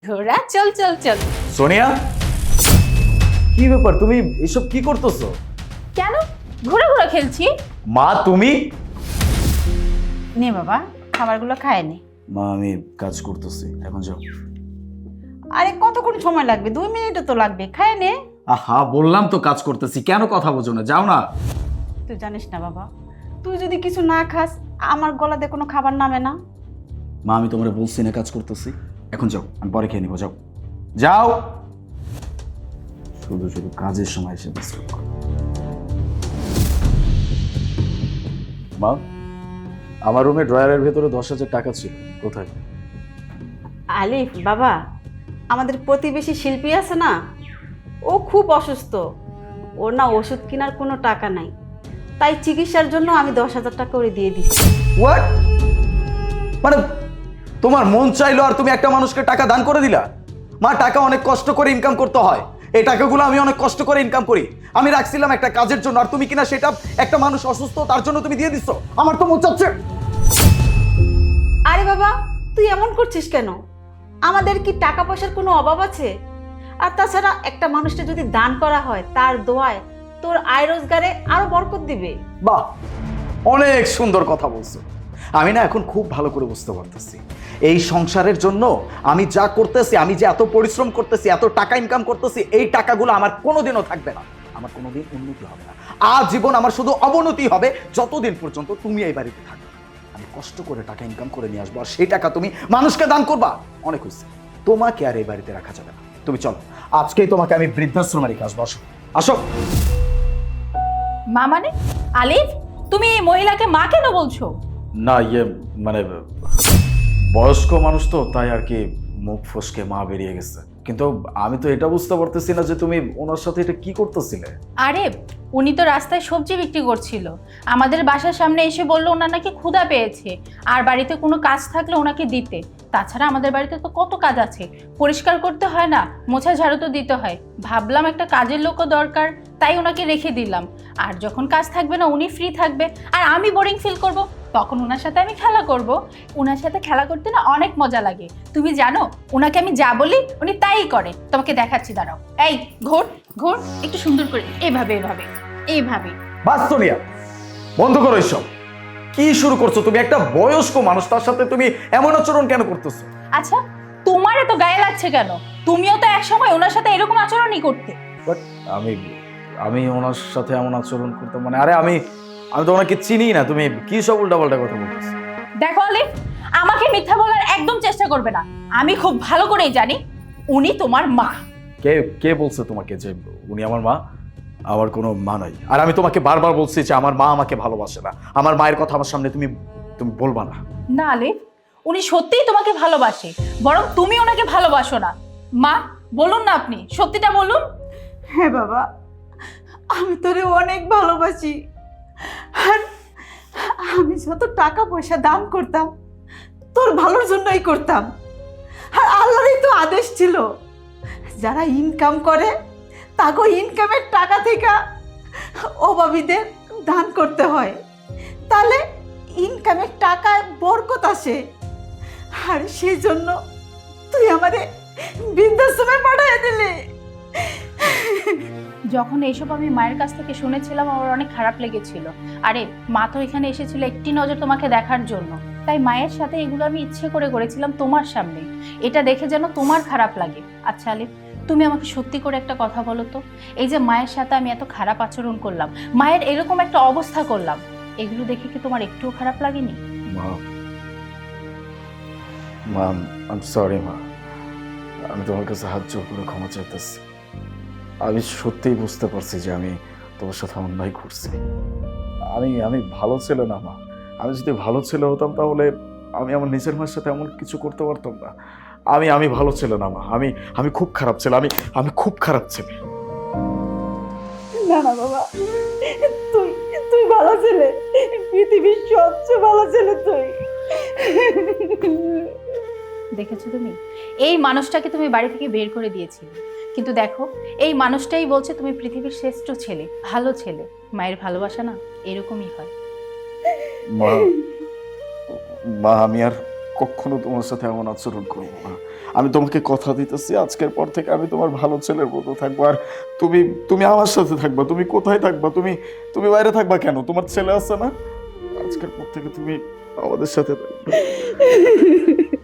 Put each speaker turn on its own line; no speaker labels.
ঘোড়া চল চল চল।
সোনিয়া, কি ব্যাপার? তুমি এসব কি করতেছো?
কেন ঘোড়া ঘোড়া খেলছি?
মা তুমি?
নে বাবা, খাবারগুলো খায় নে।
মা আমি কাজ করতেছি, এখন যাও।
আরে কতক্ষণ সময় লাগবে? 2 মিনিটও তো লাগবে, খায় নে।
আহা, বললাম তো কাজ করতেছি, কেন কথা বোঝো না? যাও না।
তুই জানিস না বাবা, তুই যদি কিছু না খাস আমার গলাতে কোনো খাবার নামে না।
মা আমি তোমারে বলছি না কাজ করতেছি, এখন যাও, আমি পরে খেয়ে নিবো। যাও যাও, শুধু শুধু কাজের সময় এসে ডিস্টার্ব করো। মা, আমার রুমে ড্রয়ারের ভেতরে 10,000 টাকা ছিল, কোথায়?
আলিফ বাবা, আমাদের প্রতিবেশী শিল্পী আছে না, ও খুব অসুস্থ, ওর না ওষুধ কেনার কোনো টাকা নাই, তাই চিকিৎসার জন্য আমি 10,000 টাকা করে দিয়ে দিচ্ছি।
হোয়াট? মানে তোমার মন চাইলো আর তুমি একটা মানুষকে টাকা দান করে দিলা? মা, টাকা অনেক কষ্ট করে ইনকাম করতে হয়, এই টাকাগুলো আমি অনেক কষ্ট করে ইনকাম করি, আমি রাখছিলাম একটা কাজের জন্য, আর তুমি কিনা সেটা একটা মানুষ অসুস্থ তার জন্য তুমি দিয়ে দিচ্ছ। আমার তো মন চাচ্ছে।
আরে বাবা, তুই এমন করছিস কেন? আমাদের কি টাকা পয়সার কোনো অভাব আছে? আর তাছাড়া একটা মানুষকে যদি দান করা হয় তার দোয়ায় তোর আয় রোজগারে আরো বরকত দিবে।
বাহ, অনেক সুন্দর কথা বলছো। আমি না এখন খুব ভালো করে বুঝতে পারতেছি এই সংসারের জন্য আমি যা করতেছি, আমি যে এত পরিশ্রম করতেছি, এত টাকা ইনকাম করতেছি, এই টাকাগুলো আমার কোনোদিনও থাকবে না, আমার কোনোদিন উন্নতি হবে না, আজীবন আমার শুধু অবনতি হবে যতদিন পর্যন্ত তুমি এই বাড়িতে থাকবে। আমি কষ্ট করে টাকা ইনকাম করে নিয়ে আসবো, আর সেই টাকা তুমি মানুষকে দান করবা। অনেক হয়েছে, তোমাকে আর এই বাড়িতে রাখা যাবে না। তুমি চলো, আজকেই তোমাকে আমি বৃদ্ধাশ্রমে রেখে আসবো। আসো আসো।
মা মানে? আলিফ, তুমি এই মহিলাকে মা কেন বলছো?
না মানে বয়স্ক মানুষ তো, তাই আর কি মুখ ফসকে মা বেরিয়ে গেছে, কিন্তু আমি তো এটা বুঝতে পারতেছি না যে তুমি ওনার সাথে এটা কি করতেছিলে।
আরে উনি তো রাস্তায় সবজি বিক্রি করছিল, আমাদের বাসার সামনে এসে বললো ওনার নাকি ক্ষুধা পেয়েছে আর বাড়িতে কোনো কাজ থাকলে ওনাকে দিতে। তাছাড়া আমাদের বাড়িতে তো কত কাজ আছে, পরিষ্কার করতে হয় না, মোছা ঝাড়ু তো দিতে হয়, ভাবলাম একটা কাজের লোকও দরকার, তাই ওনাকে রেখে দিলাম। আর যখন কাজ থাকবে না, উনি ফ্রি থাকবে আর আমি বোরিং ফিল করব, তখন ওনার সাথে আমি খেলা করব। ওনার সাথে খেলা করতে না অনেক মজা লাগে, তুমি জানো ওনাকে আমি যা বলি উনি তাই করে। তোমাকে দেখাচ্ছি, দাঁড়াও। এই ঘোর ঘোর, একটু সুন্দর করে, এভাবে এভাবে এইভাবে।
বাস সোনিয়া, বন্ধ করো এইসব। কি শুরু করছো তুমি? একটা বয়স্ক মানুষ, তার সাথে তুমি এমন আচরণ কেন করতেছো?
আচ্ছা, তোমার এত গায়ে লাগছে কেন? তুমিও তো এক সময় ওনার সাথে এরকম আচরণই করতে।
বাট আমি আমি ওনার সাথে এমন আচরণ করতাম মানে? আরে আমি আমি তো ওনাকে চিনি না, তুমি কি সব উল্টাপাল্টা কথা বলতেছো?
দেখো আলিফ, আমাকে মিথ্যা বলার একদম চেষ্টা করবে না, আমি খুব ভালো করেই জানি উনি তোমার মা।
কে কে বলছে তোমাকে যে উনি আমার মা? আমার কোনো মা নাই, আর আমি তোমাকে বারবার বলছি যে আমার মা আমাকে ভালোবাসে না, আমার মায়ের কথা আমার সামনে তুমি তুমি বলবা না।
না আলিফ, উনি সত্যিই তোমাকে ভালোবাসে, বরং তুমি ওনাকে ভালোবাসো না। মা বলুন না, আপনি সত্যিটা বলুন।
হ্যাঁ বাবা, আমি তোরে অনেক ভালোবাসি, আর আমি যত টাকা পয়সা দান করতাম তোর ভালোর জন্যই করতাম। আর আল্লাহরই তো আদেশ ছিল, যারা ইনকাম করে তাকে ইনকামের টাকা থেকে অভাবীদের দান করতে হয়, তাহলে ইনকামের টাকায় বরকত আসে। আর সেই জন্য তুই আমারে বৃদ্ধাশ্রমে পাঠিয়ে দিলি।
যখন এইসব আমি মায়ের কাছ থেকে শুনেছিলাম আমার অনেক খারাপ লেগেছিল। আরে মা তো এখানে এসেছিল একটি নজর তোমাকে দেখার জন্য, তাই মায়ের সাথে এগুলো আমি ইচ্ছে করে করেছিলাম তোমার সামনে, এটা দেখে যেন তোমার খারাপ লাগে। আচ্ছা আলিফ, তুমি আমাকে সত্যি করে একটা কথা বলো তো, এই যে মায়ের সাথে আমি এত খারাপ আচরণ করলাম, মায়ের এরকম একটা অবস্থা করলাম, এগুলো দেখে কি তোমার একটুও খারাপ লাগেনি?
মা, মা আই এম সরি মা, আমি তোমার কাছে হাত জোর করে ক্ষমা চাইতেছি। আমি সত্যিই বুঝতে পারছি যে আমি তোমার সাথে অন্যায় করছি। আমি আমি ভালো ছেলে না মা, আমি যদি ভালো ছেলে হতাম তাহলে আমি আমার নিজের মায়ের সাথে এমন কিছু করতে পারতাম না। আমি আমি ভালো ছেলে না মা, আমি আমি খুব খারাপ ছেলে, আমি আমি খুব খারাপ ছেলে।
না না বাবা, তুই তুই ভালো ছেলে, পৃথিবীর সবচেয়ে ভালো ছেলে তুই।
দেখেছো তুমি, এই মানুষটাকে তুমি বাড়ি থেকে বের করে দিয়েছিলে, কিন্তু দেখো এই মানুষটাই বলছে তুমি পৃথিবীর শ্রেষ্ঠ ছেলে, ভালো ছেলে। মায়ের ভালোবাসা না এরকমই হয়।
মা, মা আমি আর
কখনো তোমার সাথে এমন আচরণ করবো না। আমি তোমাকে কথা দিতেছি, আজকের পর থেকে আমি তোমার ভালো ছেলের মতো থাকবো। আর তুমি তুমি আমার সাথে থাকবা। তুমি কোথায় থাকবা? তুমি তুমি বাইরে থাকবা কেন? তোমার ছেলে আছে না? আজকের পর থেকে তুমি আমাদের সাথে থাকবে।